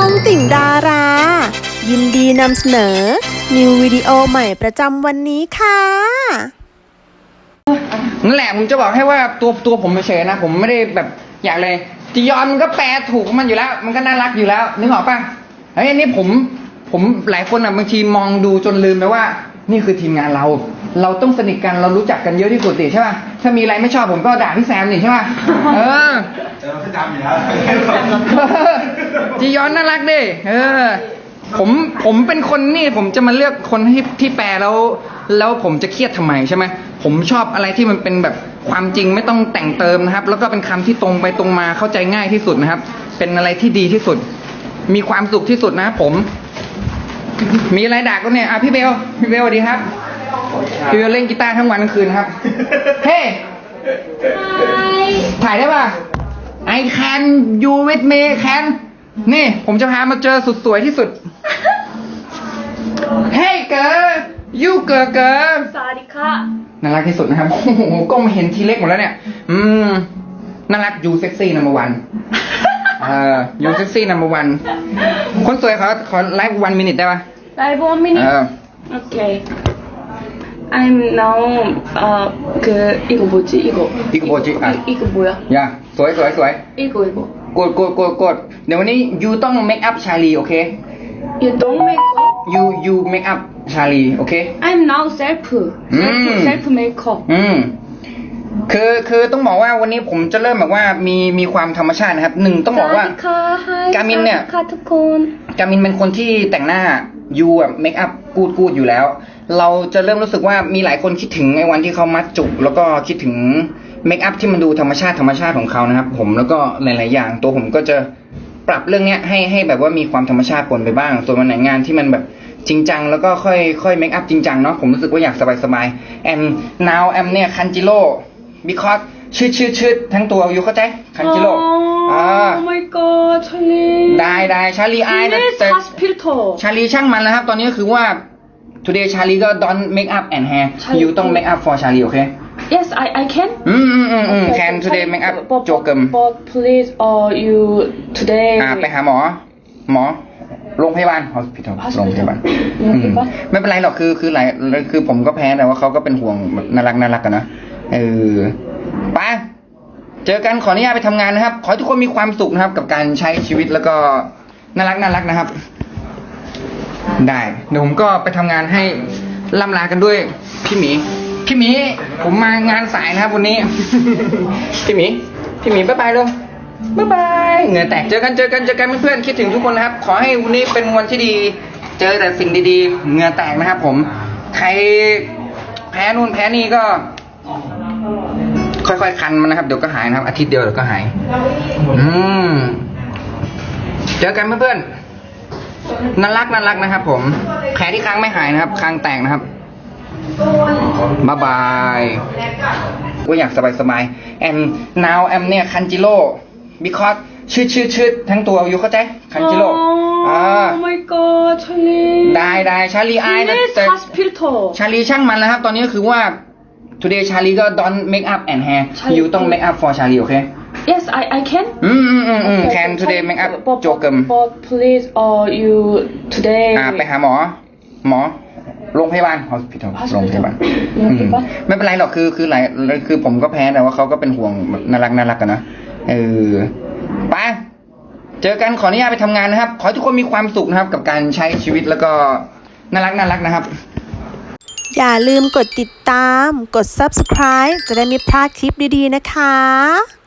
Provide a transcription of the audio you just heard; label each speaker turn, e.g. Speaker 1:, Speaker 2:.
Speaker 1: องติ่งดารา ยินดีนำเสนอนิววิดีโอใหม่ประจำวันนี้ค่ะ
Speaker 2: นั่นแหละผมจะบอกให้ว่าตัวผมเฉยๆนะผมไม่ได้แบบอยากเลยจียอนมันก็แปลถูกมันอยู่แล้วมันก็น่ารักอยู่แล้วนึกออกป่ะเฮ้ยนี่ผมหลายคนอ่ะบางทีมองดูจนลืมไปว่านี่คือทีมงานเราต้องสนิทกันเรารู้จักกันเยอะที่สุดสิใช่ป่ะถ้ามีอะไรไม่ชอบผมก็ด่าพี่แซมนี่ใช่ป่ะ
Speaker 3: พี่จำอยู่แล้ว
Speaker 2: จียอนน่ารักดิผมเป็นคนนี่ผมจะมาเลือกคนที่แปลแล้วผมจะเครียดทำไมใช่ไหมผมชอบอะไรที่มันเป็นแบบความจริงไม่ต้องแต่งเติมนะครับแล้วก็เป็นคำที่ตรงไปตรงมาเข้าใจง่ายที่สุดนะครับเป็นอะไรที่ดีที่สุดมีความสุขที่สุดนะผมมีอะไรด่าก็เนี่ยพี่เบลสวัสดีครับพี่เบลเล่นกีตาร์ทั้งวันทั้งคืนครับเฮ้ถ่ายได้ป่ะ I can you with me can นี่ผมจะพามาเจอสุดสวยที่สุดเฮ้เกิร์ลยูเกิร์ล
Speaker 4: สวัสดีค่ะ
Speaker 2: น่ารักที่สุดนะครับโอ้โหก็มาเห็นทีเล็กหมดแล้วเนี่ยน่ารักยูเซ็กซี่นัมเบอร์วันยูเซ็กซี่นัมเบอร์วันคนสวยขอไลฟ์1 minuteได้ป่ะ
Speaker 4: ไลฟ์1 minuteโอเค I'm now 이거 뭐지 이거
Speaker 2: 뭐지
Speaker 4: 이거 뭐야
Speaker 2: 야สวย
Speaker 4: 이거
Speaker 2: กดเดี๋ยววันนี้ยูต้องเมคอัพชาลีโอเค
Speaker 4: You don't make up
Speaker 2: you make up ชาลีโอเค
Speaker 4: I'm now self makeup
Speaker 2: คือต้องบอกว่าวันนี้ผมจะเริ่มแบบว่ามีความธรรมชาตินะครับต้องบอกว่าการมินเนี่ยการมินเป็นคนที่แต่งหน้ายูแบบเมคอัพกูดอยู่แล้วเราจะเริ่มรู้สึกว่ามีหลายคนคิดถึงในวันที่เขามัดจุกแล้วก็คิดถึงเมคอัพที่มันดูธรรมชาติของเขานะครับผมแล้วก็หลายๆอย่างตัวผมก็จะปรับเรื่องนี้ให้แบบว่ามีความธรรมชาติปนไปบ้างส่วนวันไหนงานที่มันแบบจริงจังแล้วก็ค่อยเมคอัพจริงจังเนาะผมรู้สึกว่าอยากสบายand now I'm เนี่ยคันจิโร่ because ชืดทั้งตัวอยู่เข้าใจคันจิโร่
Speaker 4: Oh my god ชาลี
Speaker 2: ได้ชาลีไอนะแต่ชาลีช่างมันแล้วครับตอนนี้ก็คือว่า today ชาลีก็ don't make up and hair you ต้อง make up for ชาลีโอเค
Speaker 4: Yes, I can.
Speaker 2: Can today make up โจกึม
Speaker 4: But please, you today.
Speaker 2: ไปหาหมอโรงพยาบาล hospital โรงพยาบาลไม่เป็นไรหรอกคือผมก็แพ้แต่ว่าเขาก็เป็นห่วงน่ารักกันนะไปเจอกันขออนุญาตไปทำงานนะครับขอให้ทุกคนมีความสุขนะครับกับการใช้ชีวิตแล้วก็น่ารักนะครับได้เดี๋ยวผมก็ไปทำงานให้ล่ำลากันด้วยพี่หมีผมมางานสายนะครับวันนี้ พี่หมีบ๊ายบายเลยบ๊ายบายเหงื่อแตกเจอกันเพื่อนๆคิดถึงทุกคนนะครับขอให้วันนี้เป็นวันที่ดีเจอแต่สิ่งดีๆเหงื่อแตกนะครับผมใครแพ้นู่นแพ้นี่ก็ค่อยๆคันมันนะครับเดี๋ยวก็หายนะครับอาทิตย์เดียวเดี๋ยวก็หายเจอกันเพื่อนๆน่ารักนะครับผมแผลที่ค้างไม่หายนะครับค้างแตกนะครับบ๊ายบายก็อยากสบายand now I'm เนี่ยคันจิโร่ because ชืดทั้งตัวอยู่เข้าใจคันจิโร่
Speaker 4: Oh my god ชาลี
Speaker 2: ได้ชาลีไอนะแต่ชาลีช่างมันแล้วครับตอนนี้ก็คือว่า today ชาลีก็ don't make up and hair you ต้อง make up for ชาลีโอเค
Speaker 4: Yes, I can.
Speaker 2: Can today make up โจกึม
Speaker 4: But please, you today.
Speaker 2: ไปหาหมอโรงพยาบาล hospital โรงพยาบาลไม่เป็นไรหรอกคือผมก็แพ้แต่ว่าเขาก็เป็นห่วงน่ารักกันนะไปเจอกันขออนุญาตไปทำงานนะครับขอให้ทุกคนมีความสุขนะครับกับการใช้ชีวิตแล้วก็น่ารักนะครับ
Speaker 1: อย่าลืมกดติดตามกด subscribe จะได้ไม่พลาดคลิปดีๆนะคะ